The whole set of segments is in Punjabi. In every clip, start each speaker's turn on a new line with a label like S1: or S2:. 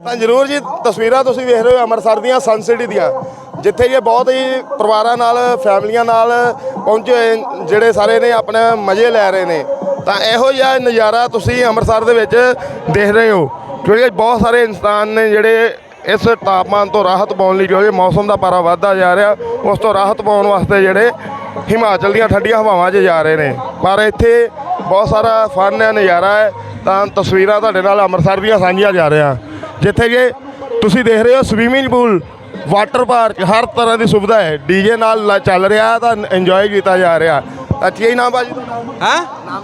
S1: ਤਾਂ ਜ਼ਰੂਰ ਜੀ ਤਸਵੀਰਾਂ ਤੁਸੀਂ ਵੇਖ ਰਹੇ ਹੋ ਅੰਮ੍ਰਿਤਸਰ ਦੀਆਂ ਸਨ ਸਿਟੀ ਦੀਆਂ, ਜਿੱਥੇ ਇਹ ਬਹੁਤ ਹੀ ਪਰਿਵਾਰਾਂ ਨਾਲ ਫੈਮਲੀਆਂ ਨਾਲ ਪਹੁੰਚੇ ਹੋਏ ਜਿਹੜੇ ਸਾਰੇ ਨੇ ਆਪਣੇ ਮਜ਼ੇ ਲੈ ਰਹੇ ਨੇ। ਤਾਂ ਇਹੋ ਜਿਹਾ ਨਜ਼ਾਰਾ ਤੁਸੀਂ ਅੰਮ੍ਰਿਤਸਰ ਦੇ ਵਿੱਚ ਦੇਖ ਰਹੇ ਹੋ, ਕਿਉਂਕਿ ਬਹੁਤ ਸਾਰੇ ਇਨਸਾਨ ਨੇ ਜਿਹੜੇ ਇਸ ਤਾਪਮਾਨ ਤੋਂ ਰਾਹਤ ਪਾਉਣ ਲਈ, ਕਿਉਂਕਿ ਮੌਸਮ ਦਾ ਪਾਰਾ ਵੱਧਦਾ ਜਾ ਰਿਹਾ, ਉਸ ਤੋਂ ਰਾਹਤ ਪਾਉਣ ਵਾਸਤੇ ਜਿਹੜੇ ਹਿਮਾਚਲ ਦੀਆਂ ਠੰਡੀਆਂ ਹਵਾਵਾਂ 'ਚ ਜਾ ਰਹੇ ਨੇ। ਪਰ ਇੱਥੇ ਬਹੁਤ ਸਾਰਾ ਫਨ ਹੈ, ਨਜ਼ਾਰਾ ਹੈ। ਤਾਂ ਤਸਵੀਰਾਂ ਤੁਹਾਡੇ ਨਾਲ ਅੰਮ੍ਰਿਤਸਰ ਦੀਆਂ ਸਾਂਝੀਆਂ ਜਾ ਰਿਹਾ, ਜਿੱਥੇ ਕਿ ਤੁਸੀਂ ਦੇਖ ਰਹੇ ਹੋ ਸਵੀਮਿੰਗ ਪੂਲ, ਵਾਟਰ ਪਾਰਕ, ਹਰ ਤਰ੍ਹਾਂ ਦੀ ਸੁਵਿਧਾ ਹੈ। ਡੀਜੇ ਨਾਲ ਚੱਲ ਰਿਹਾ ਤਾਂ ਇੰਜॉय ਕੀਤਾ जा रहा। अच्छा ही नाम बाजी?
S2: हाँ,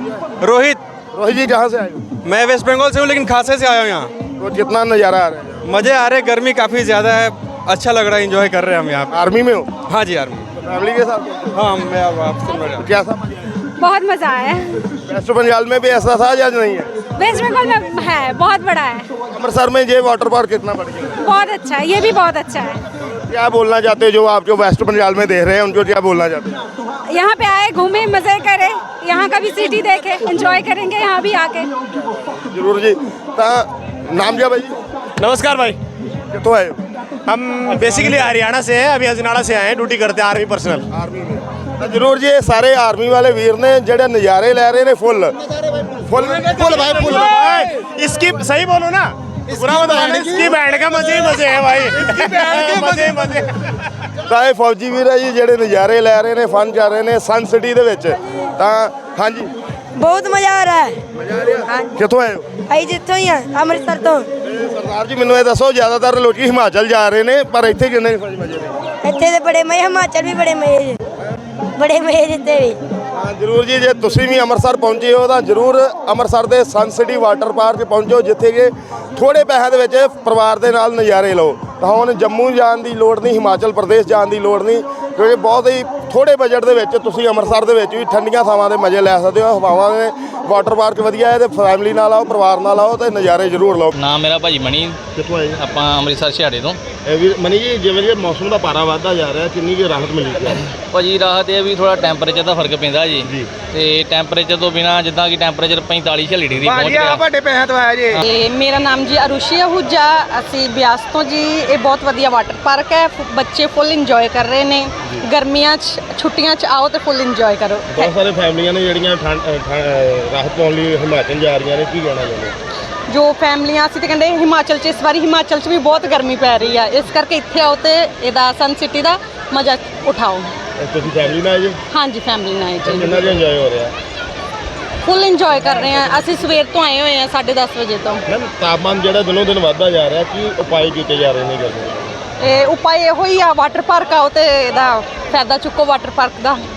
S2: रोहित।
S1: रोहित जी कहाँ से आए हो?
S2: मैं वेस्ट बंगाल से हूँ लेकिन खासे से आया हूँ यहाँ।
S1: तो कितना नज़ारा आ रहा है?
S2: मज़े आ रहे, गर्मी काफ़ी ज़्यादा है, अच्छा लग रहा है, एंजॉय कर रहे हैं हम यहाँ पे।
S1: आर्मी में हो?
S2: हाँ जी, आर्मी।
S1: फैमिली के साथ?
S2: हाँ, मैं अब आपसे मिल रहा हूँ।
S1: कैसा मजा आया?
S3: बहुत मज़ा आया।
S1: वेस्ट बंगाल में भी ऐसा था या नहीं है?
S3: वेस्ट बंगाल में है, बहुत बड़ा है।
S1: अमृतसर में ये वाटर पार्क कितना बढ़ गया?
S3: बहुत अच्छा है, ये भी बहुत अच्छा है।
S1: क्या बोलना चाहते हो जो आप जो वेस्ट बंगाल में देख रहे हैं, उनको क्या बोलना चाहते हैं?
S3: यहाँ पे आए, घूमे, मज़े करें, यहाँ का भी सिटी देखे, एंजॉय करेंगे यहाँ भी आके।
S1: जरूर जी। तो नाम क्या भाई?
S4: नमस्कार भाई,
S1: कितों आए हो?
S4: हम बेसिकली हरियाणा से हैं, अभी अजनाड़ा से आए हैं, ड्यूटी करते हैं आर्मी पर्सनल।
S1: आर्मी में तो जरूर जी ये सारे आर्मी वाले वीर ने जेडे नज़ारे ले रहे ने फुल फुल फुल भाई फुल
S4: भाई इसकी सही बोलो ना, पूरा बताओ। इसकी बैंड का मजे ही मजे है भाई, इसकी बैंड के मजे ही मजे।
S1: ਤਾਂ ਇਹ ਫੌਜੀ ਵੀਰ ਹੈ ਜੀ ਜਿਹੜੇ ਨਜ਼ਾਰੇ ਲੈ ਰਹੇ ਨੇ, ਫਨ ਕਰ ਰਹੇ ਨੇ ਸਨ ਸਿਟੀ ਦੇ ਵਿੱਚ। ਤਾਂ ਹਾਂਜੀ
S5: बहुत मजा आ रहा है।
S1: ਮਜ਼ਾ ਆ ਰਿਹਾ। ਕਿੱਥੋਂ ਆਏ ਹੋ?
S5: आई जितों ही है अमृतसर तो।
S1: ਸਰਦਾਰ ਜੀ ਮੈਨੂੰ ਇਹ ਦੱਸੋ, ਜ਼ਿਆਦਾਤਰ ਲੋਕੀ ਹਿਮਾਚਲ ਜਾ ਰਹੇ ਨੇ, ਪਰ ਇੱਥੇ ਕਿੰਨੇ ਮਜ਼ੇ ਨੇ?
S5: ਇੱਥੇ ਦੇ ਬੜੇ ਮਜ਼ੇ, ਹਿਮਾਚਲ ਵੀ ਬੜੇ ਮਜ਼ੇ, ਬੜੇ ਮਜ਼ੇ ਜਿੱਤੇ ਵੀ।
S1: ਹਾਂ ਜ਼ਰੂਰ ਜੀ, ਜੇ ਤੁਸੀਂ ਵੀ ਅੰਮ੍ਰਿਤਸਰ ਪਹੁੰਚੇ ਹੋ ਤਾਂ ਜ਼ਰੂਰ ਅੰਮ੍ਰਿਤਸਰ ਦੇ ਸਨ ਸਿਟੀ ਵਾਟਰ ਪਾਰਕ ਪਹੁੰਚੋ, ਜਿੱਥੇ ਕਿ ਥੋੜੇ ਪੈਸਿਆਂ ਦੇ ਵਿੱਚ ਪਰਿਵਾਰ ਦੇ ਨਾਲ ਨਜ਼ਾਰੇ ਲਓ। ਤਾਂ ਹੁਣ ਜੰਮੂ ਜਾਣ ਦੀ ਲੋੜ ਨਹੀਂ, ਹਿਮਾਚਲ ਪ੍ਰਦੇਸ਼ ਜਾਣ ਦੀ ਲੋੜ ਨਹੀਂ, ਕਿਉਂਕਿ ਬਹੁਤ ਹੀ ਥੋੜੇ ਬਜਟ ਦੇ ਵਿੱਚ ਤੁਸੀਂ ਅੰਮ੍ਰਿਤਸਰ ਦੇ ਵਿੱਚ ਵੀ ਠੰਡੀਆਂ ਥਾਵਾਂ ਦੇ ਮਜ਼ੇ ਲੈ ਸਕਦੇ ਹੋ। ਹਵਾਵਾਂ ਦੇ ਵਾਟਰ ਪਾਰਕ ਵਧੀਆ ਹੈ, ਤੇ ਫੈਮਿਲੀ ਨਾਲ ਆਓ, ਪਰਿਵਾਰ ਨਾਲ ਆਓ ਤੇ ਨਜ਼ਾਰੇ ਜ਼ਰੂਰ ਲਓ।
S6: ਨਾਮ ਮੇਰਾ ਭਾਜੀ ਮਣੀ,
S1: ਕਿੱਥੋਂ ਆਏ?
S6: ਆਪਾਂ ਅੰਮ੍ਰਿਤਸਰ ਛਿਹਾੜੇ ਤੋਂ।
S1: ਮਨੀ ਜੀ, ਜਿਵੇਂ ਜਿਵੇਂ ਮੌਸਮ ਦਾ ਪਾਰਾ ਵੱਧਦਾ ਜਾ ਰਿਹਾ, ਕਿੰਨੀ ਕੁ ਰਾਹਤ ਮਿਲੀ?
S6: ਭਾਜੀ ਰਾਹਤ ਇਹ ਵੀ ਥੋੜਾ ਟੈਂਪਰੇਚਰ ਦਾ ਫਰਕ ਪੈਂਦਾ ਜੀ, ਤੇ ਟੈਂਪਰੇਚਰ ਤੋਂ ਬਿਨਾ ਜਿੱਦਾਂ ਕਿ ਟੈਂਪਰੇਚਰ 45-46 ਡਿਗਰੀ ਪਹੁੰਚ ਗਿਆ।
S2: ਵੱਡੇ ਪੈਸਿਆਂ ਤੋਂ ਆਇਆ ਜੀ।
S7: ਤੇ ਮੇਰਾ ਨਾਮ ਜੀ ਅਰੁਸ਼ੀ ਅਹੂਜਾ, ਅਸੀਂ ਬਿਆਸ ਤੋਂ ਜੀ। ਇਹ ਬਹੁਤ ਵਧੀਆ ਵਾਟਰ ਪਾਰਕ ਹੈ, ਬੱਚੇ ਫੁੱਲ ਇੰਜੋਏ ਕਰ ਰਹੇ ਨੇ। ਗਰਮੀਆਂ 'ਚ ਛੁੱਟੀਆਂ 'ਚ ਆਓ ਤੇ ਫੁੱਲ ਇੰਜੋਏ ਕਰੋ।
S1: ਬਹੁਤ ਸਾਰੇ ਫੈਮਲੀਆਂ ਨੇ ਜਿਹੜੀਆਂ ਰਾਹਤ ਪਾਉਣ ਲਈ ਹਿਮਾਚਲ ਜਾ ਰਹੀਆਂ ਨੇ, ਕੀ ਕਹਿਣਾ ਚਾਹੁੰਦੇ?
S7: ਜੋ ਫੈਮਲੀਆਂ ਅਸੀਂ ਤੇ ਕਹਿੰਦੇ ਹਿਮਾਚਲ 'ਚ, ਇਸ ਵਾਰੀ ਹਿਮਾਚਲ 'ਚ ਵੀ ਬਹੁਤ ਗਰਮੀ ਪੈ ਰਹੀ ਆ, ਇਸ ਕਰਕੇ ਇੱਥੇ ਆਓ ਤੇ ਇਹਦਾ ਸਨ ਸਿਟੀ ਦਾ ਮਜ਼ਾ ਉਠਾਓ।
S1: ਤੁਸੀਂ ਫੈਮਲੀ ਨਾਲ ਆਏ ਜੀ?
S7: ਹਾਂਜੀ, ਫੈਮਲੀ ਨਾਲ ਜੀ।
S1: ਕਿੰਨਾ ਜਿਹਾ ਇੰਜੋਏ ਹੋ ਰਿਹਾ?
S7: ਫੁੱਲ ਇੰਜੋਏ ਕਰ ਰਹੇ ਆ ਅਸੀਂ। ਸਵੇਰ ਤੋਂ ਆਏ ਹੋਏ ਆ 10:30 ਵਜੇ ਤੋਂ।
S1: ਮੈਮ ਤਾਪਮਾਨ ਜਿਹੜਾ ਦਿਨੋਂ ਦਿਨ ਵੱਧਦਾ ਜਾ ਰਿਹਾ, ਕੀ ਉਪਾਅ ਕੀਤੇ ਜਾ ਰਹੇ ਨੇ ਗਰਮੀ ਦੇ?
S7: ਇਹ ਉਪਾਅ ਇਹੋ ਹੀ ਆ, ਵਾਟਰ ਪਾਰਕ ਆਓ ਤੇ ਇਹਦਾ ਫਾਇਦਾ ਚੁੱਕੋ ਵਾਟਰ ਪਾਰਕ ਦਾ।